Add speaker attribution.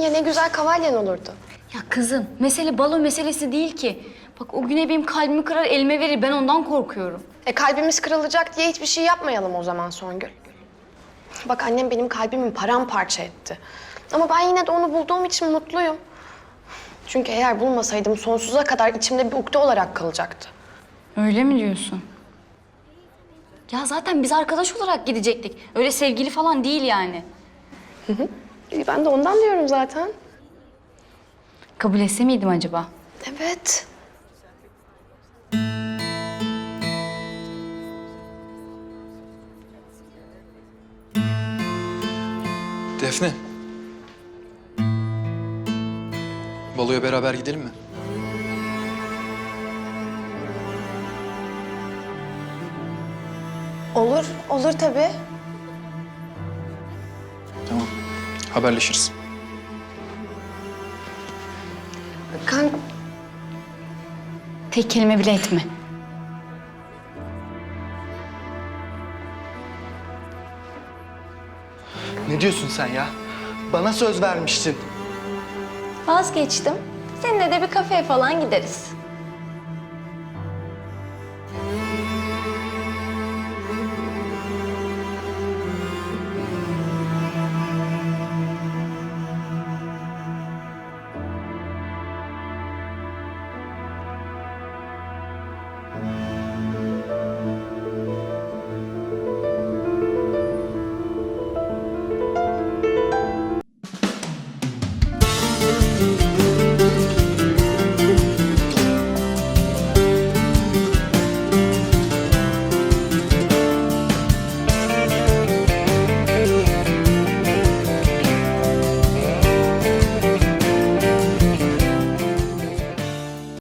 Speaker 1: ya ne güzel kavalyen olurdu.
Speaker 2: Ya kızım, mesele balo meselesi değil ki. Bak o güne benim kalbimi kırar, elime verir. Ben ondan korkuyorum.
Speaker 1: Kalbimiz kırılacak diye hiçbir şey yapmayalım o zaman Songül. Bak annem benim kalbimi paramparça etti. Ama ben yine de onu bulduğum için mutluyum. Çünkü eğer bulmasaydım sonsuza kadar içimde bir ukde olarak kalacaktı.
Speaker 2: Öyle mi diyorsun? Ya zaten biz arkadaş olarak gidecektik. Öyle sevgili falan değil yani.
Speaker 1: Ben de ondan diyorum zaten.
Speaker 2: Kabul etse miydim acaba?
Speaker 1: Evet.
Speaker 3: Defne. Baloya beraber gidelim mi?
Speaker 1: Olur, olur tabii.
Speaker 3: Tamam. Haberleşiriz.
Speaker 1: Kanka,
Speaker 2: Tek kelime bile etme.
Speaker 4: Ne diyorsun sen ya? Bana söz vermiştin.
Speaker 5: Vazgeçtim. Seninle de bir kafeye falan gideriz.